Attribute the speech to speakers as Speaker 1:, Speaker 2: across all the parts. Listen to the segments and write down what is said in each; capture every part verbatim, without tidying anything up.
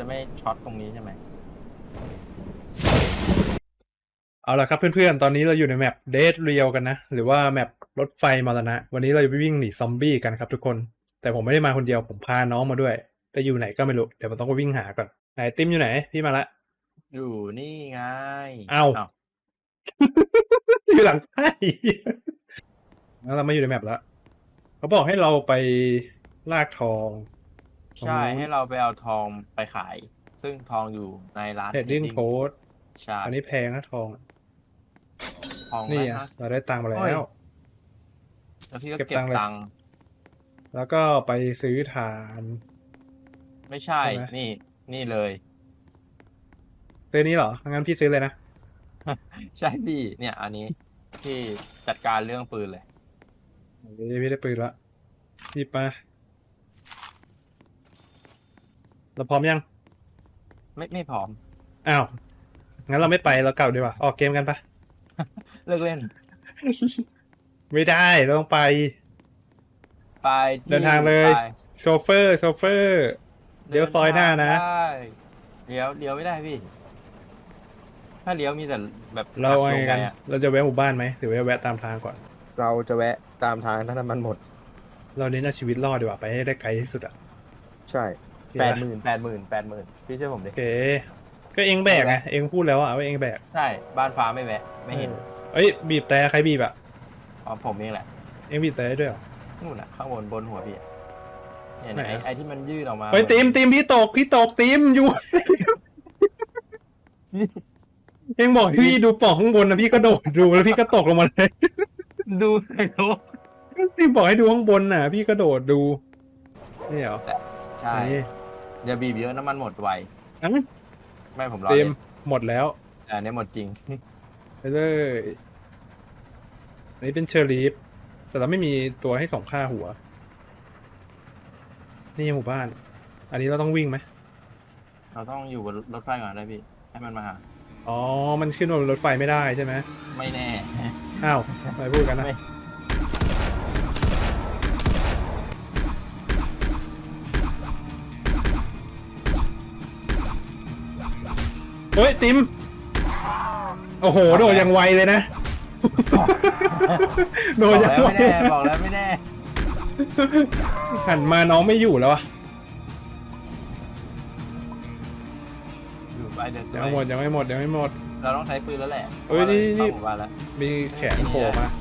Speaker 1: จะไม่ช็อตตรงนี้ใช่ไหม
Speaker 2: เอาละครับเพื่อนๆตอนนี้เราอยู่ในแมปเดดเรียลกันนะหรือว่าแมปรถไฟมรณะวันนี้เราจะไปวิ่งหนีซอมบี้กันครับทุกคนแต่ผมไม่ได้มาคนเดียวผมพาน้องมาด้วยแต่อยู่ไหนก็ไม่รู้เดี๋ยวผมต้องไปวิ่งหาก่อนไหนติมอยู่ไหนพี่มาละ
Speaker 1: อยู่นี่ไง
Speaker 2: เอ้า
Speaker 1: อ้าว
Speaker 2: อยู่หลังไพ่แล้วเรามาอยู่ในแมปแล้วเขาบอกให้เราไปลากทอง
Speaker 1: ใช่ให้เราไปเอาทองไปขาย ซึ่งทองอยู่ในร้าน
Speaker 2: เทรดดิ้ง
Speaker 1: Trading
Speaker 2: โพส
Speaker 1: ใช่
Speaker 2: อันนี้แพงนะทอง
Speaker 1: ทอง
Speaker 2: นี่
Speaker 1: ร้อย
Speaker 2: อ่ะ
Speaker 1: ห้าสิบ
Speaker 2: เราได้ตังค์มา
Speaker 1: โอ้
Speaker 2: แล้
Speaker 1: ยว แล้วพี่ก็
Speaker 2: เก็บ
Speaker 1: เก็
Speaker 2: ตั
Speaker 1: บ
Speaker 2: งค์เลย
Speaker 1: ตังค์
Speaker 2: แล้วก็ไปซื้อฐาน
Speaker 1: ไม่ใช่
Speaker 2: ใช่ไหม
Speaker 1: นี่ นี่เลย
Speaker 2: ซื้อนี้เหรองั้นพี่ซื้อเลยนะ
Speaker 1: ใช่พี่ เนี่ย อันนี้พี่จัดการเรื่องปืนเลย
Speaker 2: พี่ได้ปืนละพี่มาเราพร้อมยัง
Speaker 1: ไม่ไม่พร้อม
Speaker 2: อ้าวงั้นเราไม่ไปเรากลับดีกว่าออกเกมกันปะ
Speaker 1: เลิกเล่น
Speaker 2: ไม่ได้เราต้องไป
Speaker 1: ไปที่
Speaker 2: เดินทางเลย
Speaker 1: ไป
Speaker 2: โชเฟอร์โชเฟอร์เดี๋ยวซอยหน้านะ
Speaker 1: ได้เลี้ยวเลี้ยวไม่ได้พี่ ถ้าเลี้ยวมีแต่แบบ
Speaker 2: เรา
Speaker 1: หั
Speaker 2: ไง
Speaker 1: ลง
Speaker 2: กัน
Speaker 1: ไปอะ
Speaker 2: เราจะแวะหมู่บ้านไหมหรือว่าแวะตามทางก่อน
Speaker 3: เราจะแวะตามทางถ้าน้ำมันหมด
Speaker 2: เราเน้นเอาชีวิตรอดดีกว่าไปให้ได้ไกลที่สุดอ่ะ
Speaker 3: ใช่
Speaker 2: โอเค
Speaker 1: แปด
Speaker 2: ปะ
Speaker 1: หมื่นแปดหมื่นแปดหมื่นพี่เชื่อผมดิ
Speaker 2: โอเคก็เองแบกไงเองพูดแล้วอะว่าเองแบก
Speaker 1: ใช่บ้านฟ้าไม่แวะ ไม่เห็น
Speaker 2: เอ้ยบีบแต่ใครบีบอะ
Speaker 1: อ๋อผมเองแหละ
Speaker 2: เองบีบแต่ได้ด้วยเหรอ
Speaker 1: นู่นน่ะข้างบนบนหัวพี่อะเนี่ย
Speaker 2: ไหน
Speaker 1: ไอ้
Speaker 2: อะ
Speaker 1: ไอ้ที่มันยื่นออกมา
Speaker 2: เฮ้ยตีมตีมพี่ตกพี่ตกตีมอยู่ เองบอกให้พี่ดูปล่องข้างบนนะพี่ก็โดดดูแล้วพี่ก็ตกลงมาเลย
Speaker 1: ดูไอ้โล
Speaker 2: ตีมบอกให้ดูข้างบนน่ะ พี่ก็โดดดูนี่เหรอ
Speaker 1: ใช่
Speaker 2: นี่
Speaker 1: อย่าบีบเยอะน้ำมันหมดไว
Speaker 2: อ่ะ
Speaker 1: ไม่ผมรอ
Speaker 2: ตี
Speaker 1: เล่
Speaker 2: ม
Speaker 1: น
Speaker 2: หมดแล้ว
Speaker 1: แต่อันนี้หมดจริง
Speaker 2: ไปเลยอันนี้เป็นเชอร์ลีฟแต่เราไม่มีตัวให้ส่งค่าหัว นี่หมู่บ้าน อันนี้เราต้องวิ่งไหม
Speaker 1: เราต้องอยู่บนรถไฟก่อนได้พี่ ให้มันมาหา
Speaker 2: อ๋อ มันขึ้นบนรถไฟไม่ได้ใช่ไหม
Speaker 1: ไม่แน่
Speaker 2: อ้าวอะไรพูดกันนะ
Speaker 1: ไม่
Speaker 2: เฮ้ยติมโอ้โหโดดอย่างไวเลยนะ โด
Speaker 1: บ
Speaker 2: ด
Speaker 1: อก
Speaker 2: อย่าง
Speaker 1: แล้ว
Speaker 2: ไว
Speaker 1: ไม่แน่บอกแล้วไม่แน่
Speaker 2: หันมาน้องไม่อยู่แล้วอะ
Speaker 1: อยู่ไปเดี๋ยว
Speaker 2: ยังไม่หมดยังไม่หมดยังไม่หมด
Speaker 1: เราต้องใช้ปืนแล้วแหละ
Speaker 2: เอ้ยนี่นี่
Speaker 1: เข้าหมู่บ้านแล้ว
Speaker 2: มีแขนโผล่มา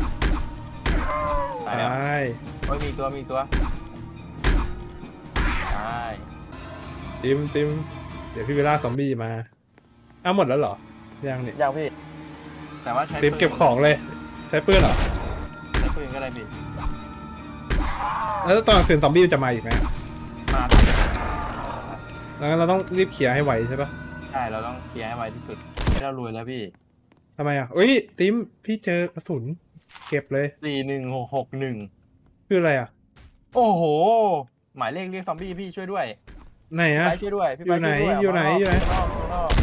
Speaker 1: ตายแล้ว
Speaker 2: ตาย
Speaker 1: โอ้ยมีตัวมีตัวตาย
Speaker 2: ติมติมเดี๋ยวพี่เวลาซอมบี้มาอ้าวหมดแล้วเหรอยังนี่
Speaker 1: ยังพี่ แต่ว่าใช้
Speaker 2: ติมเก็บของเลย ใช้ปืนเหรอ
Speaker 1: ใช้ปืนก็ได้พี่
Speaker 2: แล้วตอนกลางคืนซอมบี้มันจะมาอีกไหม
Speaker 1: มา
Speaker 2: แล้วเราต้องรีบเคลียร์ให้ไวใช่ปะ
Speaker 1: ใช่เราต้องเคลียร์ให้ไวที่สุดให้เรารวยแล้วพี่
Speaker 2: ทำไมอ่ะเอ้ยติมพี่เจอกระสุนเก็บเลย
Speaker 1: สี่หนึ่งหกหกหนึ่ง
Speaker 2: คืออะไรอ่ะ
Speaker 1: โอ้โห หมายเลขเรียกซอมบี้พี่ช่วยด้วย
Speaker 2: ไหน
Speaker 1: พี่
Speaker 2: อ่ะ
Speaker 1: ไปช่วยด้วยพี่
Speaker 2: อยู่
Speaker 1: ไป
Speaker 2: ไหน
Speaker 1: ช่วยด้วย
Speaker 2: อยู่ไหน
Speaker 1: ก
Speaker 2: อยู่ไหน
Speaker 1: ข้างนอกข้างนอก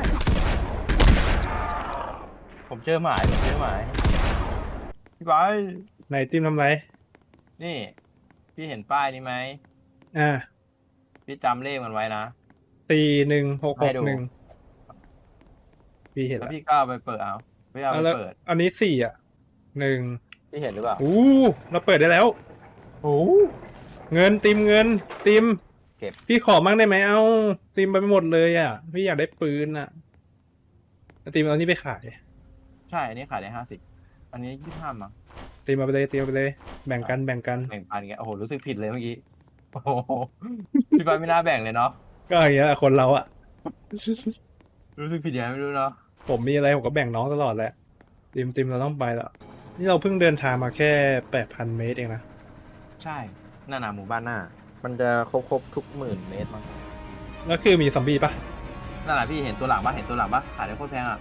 Speaker 1: ผมเจอหมายผมเจอหมายพี่ไป
Speaker 2: ไหนติมทำไร
Speaker 1: นี่ พี่เห็นป้ายนี้ไหม
Speaker 2: อ่า
Speaker 1: พี่จำเลขมันไว้นะ
Speaker 2: สี่หนึ่งหกห
Speaker 1: ให้
Speaker 2: ก
Speaker 1: ดู
Speaker 2: หนึ่งพี่เห็น
Speaker 1: แล้ว
Speaker 2: แล้ว
Speaker 1: พี่ก็เอาไปเปิดเอาพี่เอาไป
Speaker 2: แล้ว
Speaker 1: เปิด
Speaker 2: อันนี้สี่อ่ะหนึ่ง
Speaker 1: พี่เห็นหรือเปล่า
Speaker 2: อู้เราเปิดได้แล้ว
Speaker 1: โอ้
Speaker 2: เงินติมเงินติม
Speaker 1: เก็บ
Speaker 2: พี่ขอมั่งได้ไหมเอาติมไปหมดเลยอ่ะ พี่อยากได้ปืนอ่ะแล้วติมเอานี้ไปขาย
Speaker 1: ใช่อันนี้ขายได้ห้าสิบอันนี้ยี่ห้ามั้ง
Speaker 2: ติมเอาไปเลยติมเอาไปเลย แบ่งกันแบ่งกัน
Speaker 1: แบ่งปันกันโอ้โหรู้สึกผิดเลยเมื่อกี้โอ้โหพี่ไปไม่น่าแบ่งเลยเนาะ
Speaker 2: ก็อย่างเงี้ยคนเราอ่ะ
Speaker 1: รู้สึกผิดยังไงไม่รู้เนาะ
Speaker 2: ผมมีอะไรผมก็แบ่งน้องตลอดแหละติมติมเราต้องไปแล้วนี่เราเพิ่งเดินทางมาแค่แปดพันเมตรเองนะ
Speaker 1: ใช่หน้าหนาหมู่บ้านหน้า
Speaker 3: มันจะครบครบทุกหมื่นเมตรมั้ง
Speaker 2: แล้วคือมีซอมบี้ปะ
Speaker 1: นั่นแหละพี่เห็นตัวหลังปะเห็นตัวหลังปะขายได้โคตรแพงอ่ะ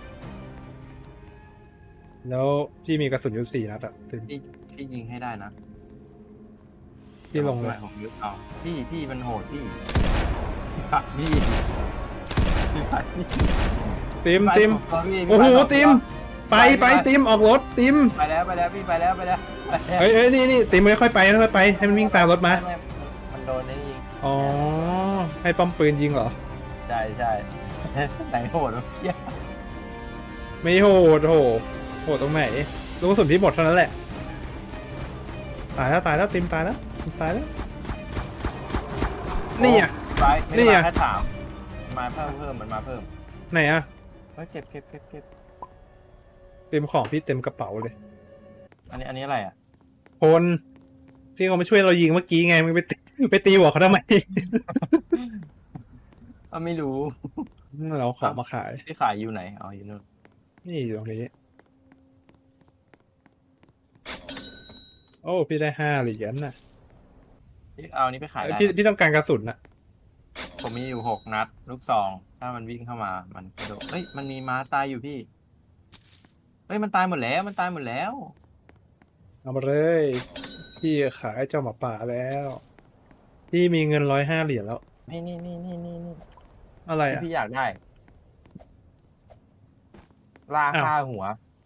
Speaker 2: แล้วพี่มีกระสุนอยู่สี่นัดอ่ะติม
Speaker 1: พี่พี่ยิงให้ได้นะ
Speaker 2: พี่ลง
Speaker 1: เล
Speaker 2: เลย ย
Speaker 1: ผมยึดเอาพี่พี่มันโหดพี่พี่ปักพี่พี่ปักพี่
Speaker 2: ติม
Speaker 1: พี่
Speaker 2: ติม
Speaker 1: ปักพี่
Speaker 2: โอ้โห
Speaker 1: พี่ปัก
Speaker 2: ติมไปไปติมออกรถติม
Speaker 1: ไปแล้วไปแล้วพี่ไปแล้วไปแล้วไปแล้ว
Speaker 2: เอ้ยเอ้ยนี่นี่ติมค่อยๆไปค่อยๆไปให้มันวิ่งตามรถมา
Speaker 1: ไไมันโดนนี่ยิง
Speaker 2: อ๋อให้ป้อมปืนยิงเหรอ
Speaker 1: ใช่ใช่ ไหนโหดวะเหี้ย
Speaker 2: ไม่โหดโหโหดตรงไหนลูกกระสุนพี่หมดเท่านั้นแหละ ตายแล้วตายแล้วติมตายแล้วติมตายแล้ว นี่อ่ะ
Speaker 1: ไปไม่
Speaker 2: นี่
Speaker 1: ได้
Speaker 2: อะ
Speaker 1: มาแค่ถามมาเพิ่มเพิ่มมันมาเพิ่ม
Speaker 2: ไหนอ่ะ
Speaker 1: เฮ้ยเก็บเก็บเก็บเก็บ
Speaker 2: เต็มของพี่เต็มกระเป๋าเลย
Speaker 1: อันนี้อันนี้อะไรอ่ะ
Speaker 2: คนที่เขามาช่วยเรายิงเมื่อกี้ไงมึงไปตีไปตีหัวเขาทำไม
Speaker 1: อ่ะไม่รู้
Speaker 2: เราเอาของมาขาย
Speaker 1: ที่ขายอยู่ไหนอ๋ออยู่นู่น
Speaker 2: นี่อยู่ตรงนี้ โอ้พี่ได้ห้าเหรียญน่ะ
Speaker 1: ที่เอาอันนี้ไปขาย
Speaker 2: เอ้ย
Speaker 1: ได้
Speaker 2: พี่
Speaker 1: นะ
Speaker 2: พี่ต้องการกระสุนน่ะ
Speaker 1: ผมมีอยู่หกนัด ลูกซอง ถ้ามันวิ่งเข้ามามันกระโดดเอ้ยมันมีม้าตายอยู่พี่เอ้ยมันตายหมดแล้วมันตายหมดแล้ว
Speaker 2: เอามาเลย พี่ขายเจ้าหมาป่าแล้ว พี่มีเงินร้อยห้าเหรียญแล้ว
Speaker 1: นี่นี่นี่นี่นี่นี่
Speaker 2: อะไร
Speaker 1: ที่
Speaker 2: อ่ะ
Speaker 1: พี่อยากได้ล่า
Speaker 2: อ้าว
Speaker 1: ค่าหัว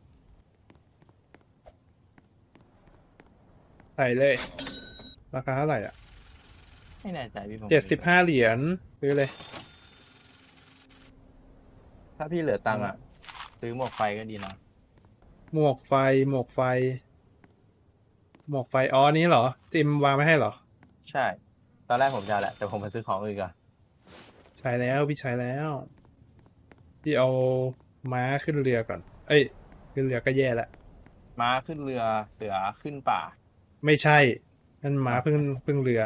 Speaker 2: ใส่เลย ราคาเท่าไหร่อ่ะ
Speaker 1: ไม่แน่ใจพี่ผม
Speaker 2: เจ็ดสิบห้าเหรียญซื้อเลย
Speaker 1: ถ้าพี่เหลือตังค์อ่ะ ซื้อหมวกไฟก็ดีนะ
Speaker 2: หมวกไฟ หมวกไฟ หมวกไฟ อ๋ออันนี้เหรอ ติมวางไม่ให้เหรอ
Speaker 1: ใช่ ตอนแรกผมจะเอาแหละ แต่ผมมาซื้อของอื่นก่อน
Speaker 2: ใช้แล้วพี่ใช้แล้ว พี่เอาม้าขึ้นเรือก่อน เอ้ย ขึ้นเรือก็แย่ละ
Speaker 1: ม้าขึ้นเรือเสือขึ้นป่า
Speaker 2: ไม่ใช่ นั่นม้าเพิ่งเพิ่งเรือ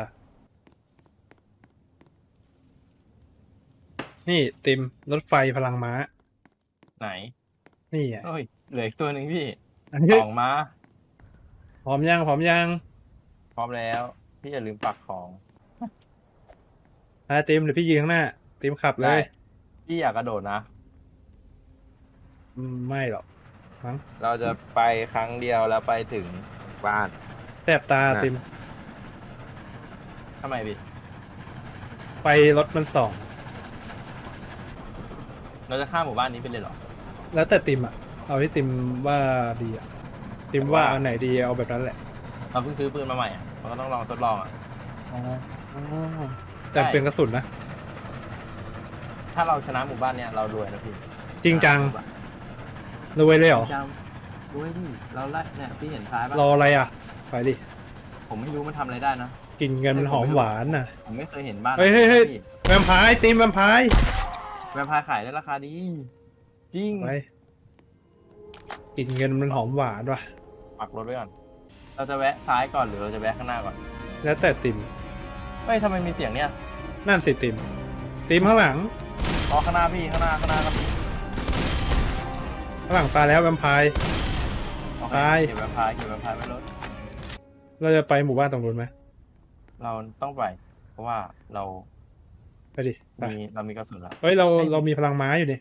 Speaker 2: นี่ติมรถไฟพลังม้า
Speaker 1: ไหน
Speaker 2: นี่ไง
Speaker 1: เอ้ยเหลืออีกตัวหนึ่งพี่
Speaker 2: อันนี้
Speaker 1: สองม้า
Speaker 2: พร้อมยังพร้อมยัง
Speaker 1: พร้อมแล้ว พี่อย่าลืมปักของ
Speaker 2: อ่ะติมเดี๋ยวพี่ยืนข้างหน้า ติมขับเล
Speaker 1: ได้
Speaker 2: ย
Speaker 1: พี่อยากกระโดดนะ
Speaker 2: อืมไม่หรอกมั้ง
Speaker 1: เราจะไปครั้งเดียวแล้วไปถึง
Speaker 3: บ้าน
Speaker 2: แสบตา
Speaker 3: น่ะ
Speaker 2: ติม
Speaker 1: ทำไมพี่
Speaker 2: ไปรถมันสอง
Speaker 1: เราจะข้ามหมู่บ้านนี้ไปเลยเหรอ
Speaker 2: แล้วแต่ติมอ่ะ เอาที่ติมว่าดีอ่ะ ติมว่าอันไหนดีเอาแบบนั้นแหละ
Speaker 1: เราเพิ่งซื้อปืนมาใหม่อ่ะเราก็ต้องลองทดลองอ่ะ
Speaker 2: อ๋อแต่เป็นกระสุนนะ
Speaker 1: ถ้าเราชนะหมู่บ้านเนี้ยเรารวยนะพี่
Speaker 2: จริงจังรวยเลยเหรอ
Speaker 1: จริงจังรวยดิเราไล่เนี่ยพี่เห็นซ้ายป่ะ
Speaker 2: รออะไรอ่ะ ไปดิ
Speaker 1: ผมไม่รู้มันทำอะไรได้นะ
Speaker 2: กลินเงินมันหอมหวานน่ะ
Speaker 1: ผมไม่เคยเห็นบ้าน
Speaker 2: เฮ้ยเฮ้ยเฮ้ย
Speaker 1: พี่
Speaker 2: แวมไพร์ติมแวมไพร์
Speaker 1: แวมไพร์ขายได้ราคาดี จริง
Speaker 2: ไปกลินเงินมันหอมหวานว่ะ
Speaker 1: ปักรถไว้ก่อน เราจะแวะซ้ายก่อนหรือเราจะแวะข้างหน้าก่อน
Speaker 2: แล้วแต่ติม
Speaker 1: เฮ้ยทำไมมีเสียงเนี่ย
Speaker 2: นั่นสิติม ติมข้างหลัง
Speaker 1: อ๋อข้างหน้าพี่ข้างหน้าข้างหน้าครับพี่
Speaker 2: ข้างหลังตายแล้วแวมไพร์
Speaker 1: โอเค
Speaker 2: ตาย
Speaker 1: เก็บแวมไพร์เก็บแวมไพร์ไว้รถ
Speaker 2: เราจะไปหมู่บ้านตรงนู้นไหม
Speaker 1: เราต้องไป เพราะว่าเรา
Speaker 2: ไปดิ ไป
Speaker 1: มีเรามีกระสุนแล้ว
Speaker 2: เฮ้ยเรา
Speaker 1: ไม่
Speaker 2: เรามีพลังม้าอยู่นี่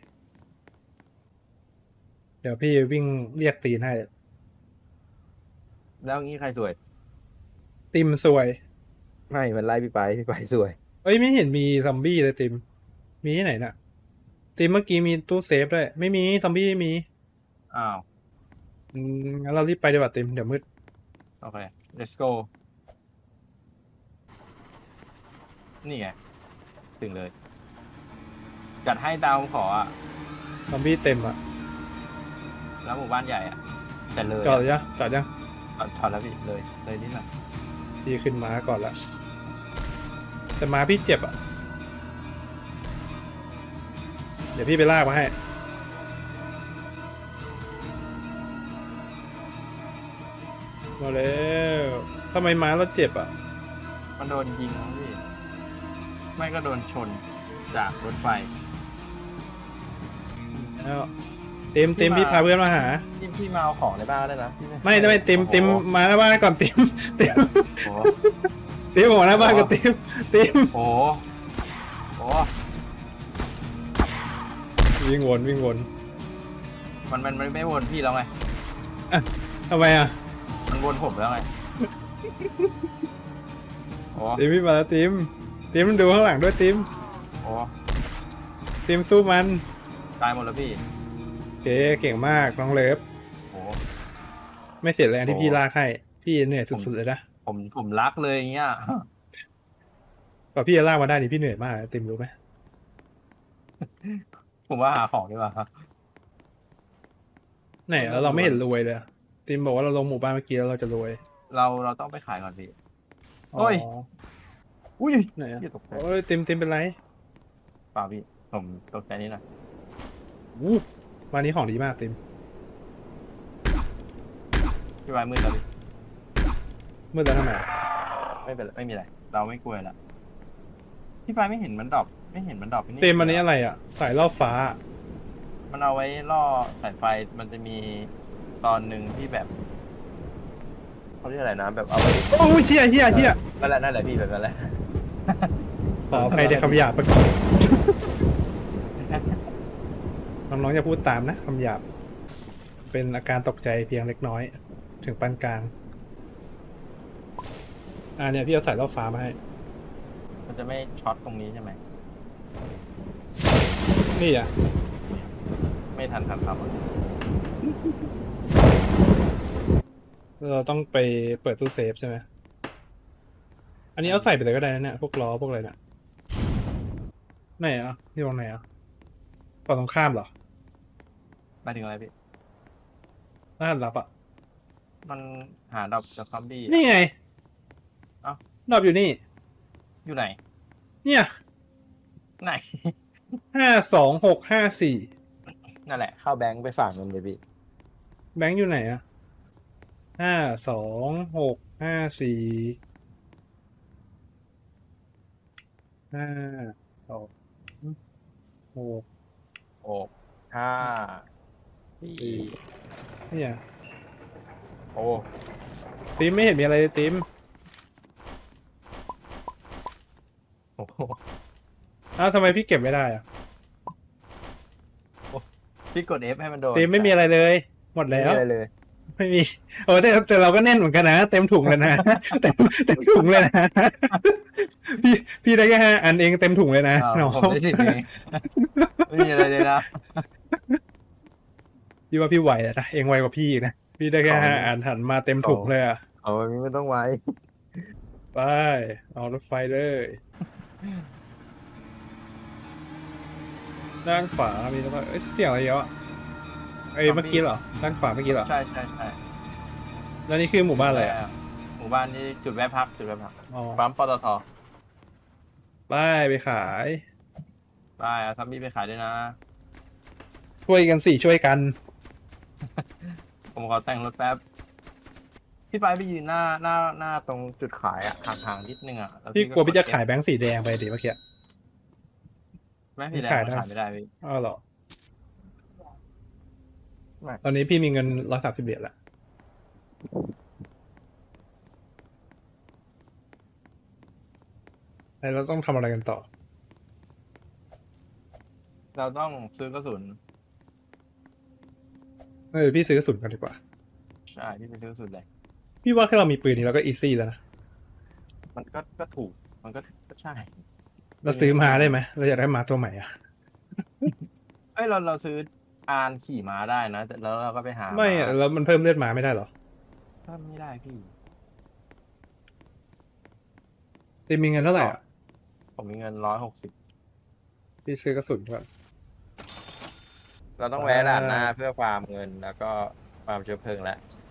Speaker 2: เดี๋ยวพี่วิ่งเรียกตีนให้
Speaker 1: แล้วงี้ใครสวย
Speaker 2: ติมสวย
Speaker 3: ไม่มันไล่พี่ไปพี่ไปสวย
Speaker 2: เอ้ยไม่เห็นมีซอมบี้เลยติม มีที่ไหนน่ะ ติมเมื่อกี้มีตู้เซฟด้วย ไม่มีซอมบี้ไม่มี
Speaker 1: อ้าว
Speaker 2: อืมงั้นเรารีบไปดีกว่าติมเดี๋ยวมืด
Speaker 1: โอเค let's go นี่ไง ถึงเลย จัดให้ตามขออ่ะ
Speaker 2: ซอมบี้เต็มอ่ะ
Speaker 1: แล้วหมู่บ้านใหญ่อ่ะ แต่เลย
Speaker 2: จอดยังจอดยัง
Speaker 1: จอดจอดแล้วพี่ เลย เลยนิดหน่อย
Speaker 2: พี่ขึ้นม้าก่อนละแต่ม้าพี่เจ็บอ่ะ เดี๋ยวพี่ไปลากมาให้ มาแล้วทำไมม้าเราเจ็บอ่ะ
Speaker 1: มันโดนยิงนะพี่ ไม่ก็โดนชนจากรถไฟ
Speaker 2: แล้วเต็มเต็มพี่พาเพื่อนมาหา
Speaker 1: พี่พี่มาเอาของในบ้านได้นะพี่
Speaker 2: ไม่ไม่ไม่เต็มเต็มมาหน้าบ้านก่อนเต็มเต็ม
Speaker 1: โอ้โห
Speaker 2: เต็มหัวหน้าบ้านก่อนเต็มเต็ม
Speaker 1: โอ้โหโอ้โห
Speaker 2: วิ่งวนวิ่งวน
Speaker 1: มันมันมันไม่วนพี่แล้วไง
Speaker 2: ทำไมอ่ะ
Speaker 1: มันวนผมแล้วไง โอ้
Speaker 2: เต็มพี่มาแล้วเต็มเต็มดูข้างหลังด้วยเต็ม
Speaker 1: โอ้
Speaker 2: เต็มสู้มัน
Speaker 1: ตายหมดแล้วพี่
Speaker 2: เก๋เก่งมากน้องเลิฟ
Speaker 1: โอ้
Speaker 2: ไม่เสียแรงที่
Speaker 1: โอ้
Speaker 2: พี่ลากให้พี่เหนื่อยสุดๆเลยนะ
Speaker 1: ผมผมรักเลยอย่างเงี้ย
Speaker 2: กว่าพี่จะลากมาได้นี่พี่เหนื่อยมากติมรู้ไหม
Speaker 1: ผมว่าหาของดีกว่าครับ
Speaker 2: ไหนแล้วเราไม่เห็นรวยเลยอะติมบอกว่าเราลงหมู่บ้านเมื่อกี้แล้วเราจะรวย
Speaker 1: เราเราต้องไปขายก่อนพี่
Speaker 2: อ๋อ
Speaker 1: โอ้ย อุ้ย
Speaker 2: ไหนอะ
Speaker 1: เหี้ยตกใจ
Speaker 2: โอ้ยติมติมเป็นไร
Speaker 1: เปล่าพี่ผมตกใจนิดหน่อย
Speaker 2: อู้วันนี้ของดีมากติม
Speaker 1: พี่วายมืดแล้วพี่
Speaker 2: มืดแล้วทำไม
Speaker 1: ไม่เป็นไรไม่มีอะไรเราไม่กลัวละพี่วายไม่เห็นมันดรอปไม่เห็นมันดรอปที่นี่
Speaker 2: ติมอันนี้อะไรอ่ะสายล่อฟ้า
Speaker 1: มันเอาไว้ล่อสายไฟมันจะมีตอนหนึ่งที่แบบเขาเรียกอะไรนะแบบเอาไว้
Speaker 2: โอ้ยเชี่ยเชี่ยเชี่ย
Speaker 1: นั่นแหละนั่นแหละพี่แบบนั้นแหละ
Speaker 2: ขออภัยในคำหยาบเมื่อกี้น้องๆอย่าพูดตามนะคำหยาบ เป็นอาการตกใจเพียงเล็กน้อย ถึงปานกลาง อ่าเนี่ยพี่เอาสายล่อฟ้ามาให้
Speaker 1: มันจะไม่ช็อตตรงนี้ใช่ไหม
Speaker 2: นี่อ่ะ
Speaker 1: ไม่ทันทันครับ
Speaker 2: เราต้องไปเปิดตู้เซฟใช่ไหม อันนี้เอาใส่ไปเลยก็ได้นะเนี่ย พวกล้อพวกอะไรเนี่ยไหนอ่ะที่ตรงไหนอ่ะฝั่งตรงข้ามเหรอ
Speaker 1: หมายถึงอะไรพี่
Speaker 2: รหัสลับอ่ะ
Speaker 1: มันหาดรอปจากซอมบี้อะ
Speaker 2: นี่ไง
Speaker 1: เอ้า
Speaker 2: ดรอปอยู่นี่
Speaker 1: อยู่ไหน
Speaker 2: เนี่ย
Speaker 1: ไหน
Speaker 2: ห้าสองหกห้าสี่
Speaker 1: นั่นแหละ
Speaker 3: เข้าแบงค์ไปฝากเงินเลยพี่
Speaker 2: แบงค์อยู่ไหนอ่ะห้าสองหกห้าสี่ห้าสองหก
Speaker 1: โอ้ห้าสี่
Speaker 2: เนี่ย
Speaker 1: โอ้
Speaker 2: ติมไม่เห็นมีอะไรเลยติม
Speaker 1: โอ้โห
Speaker 2: อ้าวทำไมพี่เก็บไม่ได้อ่ะ
Speaker 1: พี่กด F ให้มันโดน
Speaker 2: ติมไม่มีอะไรเลย หมด
Speaker 3: ไม่
Speaker 2: แล้ว
Speaker 3: มีอะไรเลย
Speaker 2: ไม่มีโอ้แต่แต่เราก็แน่นเหมือนกันนะ เต็มถุงเลยนะ เต็มเต็มถุงเลยนะ พี่พี่ได้แค่ห้าอันเองเต็มถุงเลยนะ
Speaker 1: อ้าว
Speaker 2: น้อง
Speaker 1: ผมได้สิบเองไม่มีอะไรเลยนะ
Speaker 2: พี่ว่าพี่ไหวแล้วนะเองไวกว่าพี่อีกนะพี่ได้แค่
Speaker 3: ของ
Speaker 2: ห้าอันหันมาเต็มถุงเลยอ่ะ
Speaker 3: เอาอันนี้ไม่ต้องไว้
Speaker 2: ไปเอารถไฟเลย ด้านขวามีรถไฟเอ้ยเสียงอะไรเยอะไอ้ยเมื่อกี้เหรอด้านขวาเมื่อกี้เหรอ
Speaker 1: ใช่ใช่ใช่
Speaker 2: แล้วนี่คือหมู่บ้านอะไรอ่ะ
Speaker 1: หมู่บ้านนี้จุดแวะพักจุดแวะพัก
Speaker 2: อ๋อ
Speaker 1: ปั๊มปตท
Speaker 2: ไปไปขาย
Speaker 1: ไปเอาซัมบี้ไปขายด้วยนะ
Speaker 2: ช่วยกันสิช่วยกัน
Speaker 1: ผมขอแต่งรถแป๊บ พี่ไปไปยืนหน้าหน้าหน้าตรงจุดขายอะห่างๆนิดนึงอะแล้ว
Speaker 2: พี่กลัวพี่จะ
Speaker 1: ด F
Speaker 2: ขายแบงค์สีแดงไปดิเมื่อกี้
Speaker 1: แม่พี่แดง
Speaker 2: ขาย
Speaker 1: มัน
Speaker 2: ได้
Speaker 1: ขายไม่ได้พี่
Speaker 2: อ้าวเหรอ
Speaker 1: ไม่
Speaker 2: ตอนนี้พี่มีเงินร้อยสามสิบเหรียญละแล้วเราต้องทำอะไรกันต่อ
Speaker 1: เราต้องซื้อกระสุน
Speaker 2: เออพี่ซื้อกระสุนกันดีกว่า
Speaker 1: ใช่พี่ไปซื้อกระสุนเลย
Speaker 2: พี่ว่าแค่เรามีปืนนี้เราก็อีซี่แล้วนะ
Speaker 1: มันก็ก็ถูกมันก็ก็ใช่
Speaker 2: เราซื้อมาได้ไหมเราอยากได้มาตัวใหม่อ่ะ
Speaker 1: เอ้ยเราเราซื้ออานขี่ม้าได้นะแต่แล้วเราก็ไปหา
Speaker 2: ไม่อะแล้วมันเพิ่มเลือดมาไม่ได้เหรอ
Speaker 1: ถ้าไม่ได้พี่
Speaker 2: ตีมีเงินเท่าไหร่อ่ะ
Speaker 1: ผมมีเงินร้อยหกสิบ
Speaker 2: พี่ซื้อกระสุนก่อน
Speaker 1: เราต้องแวะด่านหน้าเพื่อฟาร์มเงินแล้วก็ฟาร์มเชื้อเพลิงแล้ว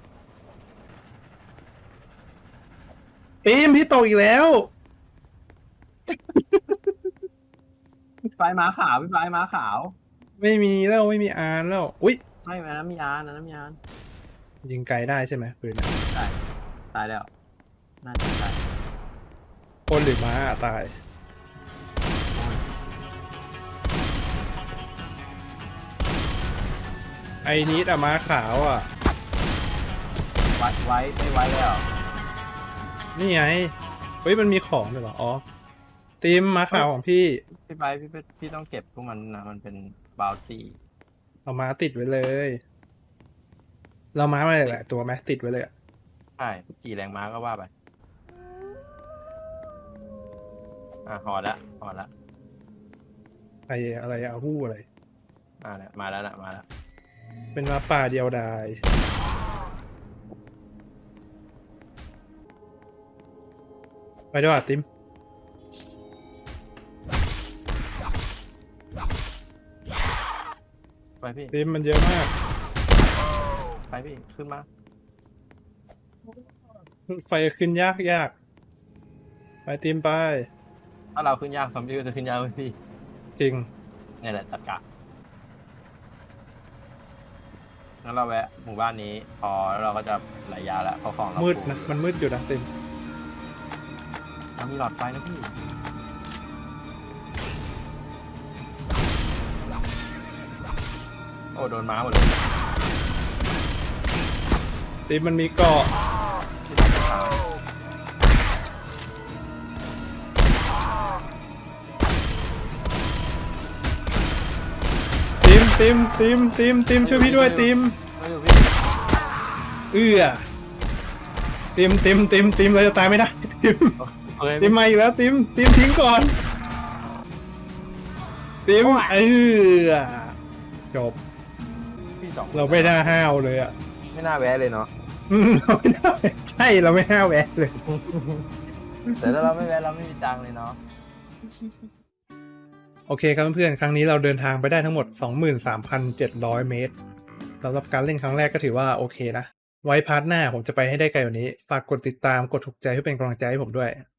Speaker 2: ตีมพี่โตอีกแล้ว
Speaker 1: ไฟม้าขาวพี่ไฟม้าขาว
Speaker 2: ไม่มีแล้วไม่มีอานแล้ว อุ้ย
Speaker 1: ไม่อันนั้นมีอานอันนั้นมีอาน
Speaker 2: ยิงไกลได้ใช่ไหมปืนอะ
Speaker 1: ใช่ตายแล้วน่าจะตาย
Speaker 2: คนหรือม้าอะตาย ไอ้นี้อะม้าขาวอ่ะ
Speaker 1: ไว้ไว้ไม่ไว้แล้ว
Speaker 2: นี่ไง เฮ้ยมันมีของด้วยเหรอ อ๋อตีมม้าขาวของพี่
Speaker 1: พี่ไปพี่ไปพี่ต้องเก็บพวกมันนะมันเป็นบาวตี้
Speaker 2: เอาม้าติดไว้เลย เราม้ามาหลายๆตัวไหมติดไว้เลยอะ
Speaker 1: ใช่กี่แรงม้าก็ว่าไปอ่ะหอดละหอดละ
Speaker 2: ไออะไรอะฮู้อะไร
Speaker 1: อ่ะเนี่ยมาแล้วนะมาแล้ว
Speaker 2: เป็นม้าป่าเดียวดาย ไปด้วยอ่ะติม
Speaker 1: ไปพี่
Speaker 2: ทีมมันเยอะมาก
Speaker 1: ไปพี่ขึ้นมา
Speaker 2: ไฟขึ้นยากยากไปทีมไป
Speaker 1: ถ้าเราขึ้นยากซอมบี้ก็จะขึ้นยากไหมพี่
Speaker 2: จริง
Speaker 1: นี่แหละตะกะงั้นเราแวะหมู่บ้านนี้พอแล้วเราก็จะไหลยาแล้วเพราะของเรา
Speaker 2: มืด
Speaker 1: ฟู
Speaker 2: นะมันมืดอยู่นะทีม
Speaker 1: เรามีหลอดไฟนะพี่โอ้โดนม้าหมดเลย
Speaker 2: ทีมมันมีเกาะ
Speaker 1: ที่ตัดขา
Speaker 2: ทีมทีมทีมทีมทีมช่วยพี่ด้วยทีม
Speaker 1: ไม่อยู่พี่
Speaker 2: เอื้อทีมทีมทีมทีมเราจะตายไม่ได้ทีม
Speaker 1: เฮ้ย
Speaker 2: ทีมมาอีกแล้วทีมทีมทิ้งก่อนทีมเออจบ
Speaker 1: พี่สอง
Speaker 2: เราไม่น่าห้าวเลยอ่ะ
Speaker 3: ไม่น่าแวะเลยเนาะ
Speaker 2: อืมเราไม่น่าใช่เราไม่ห้าวแวะเลย
Speaker 1: แต่ถ้าเราไม่แวะเราไม่มีตังค์เลยเนาะ
Speaker 2: โอเคครับเพื่อนๆครั้งนี้เราเดินทางไปได้ทั้งหมด สองหมื่นสามพันเจ็ดร้อย เมตรสำหรับการเล่นครั้งแรกก็ถือว่าโอเคนะ ไว้พาร์ทหน้าผมจะไปให้ได้ไกลกว่านี้ ฝากกดติดตามกดถูกใจเพื่อเป็นกำลังใจให้ผมด้วย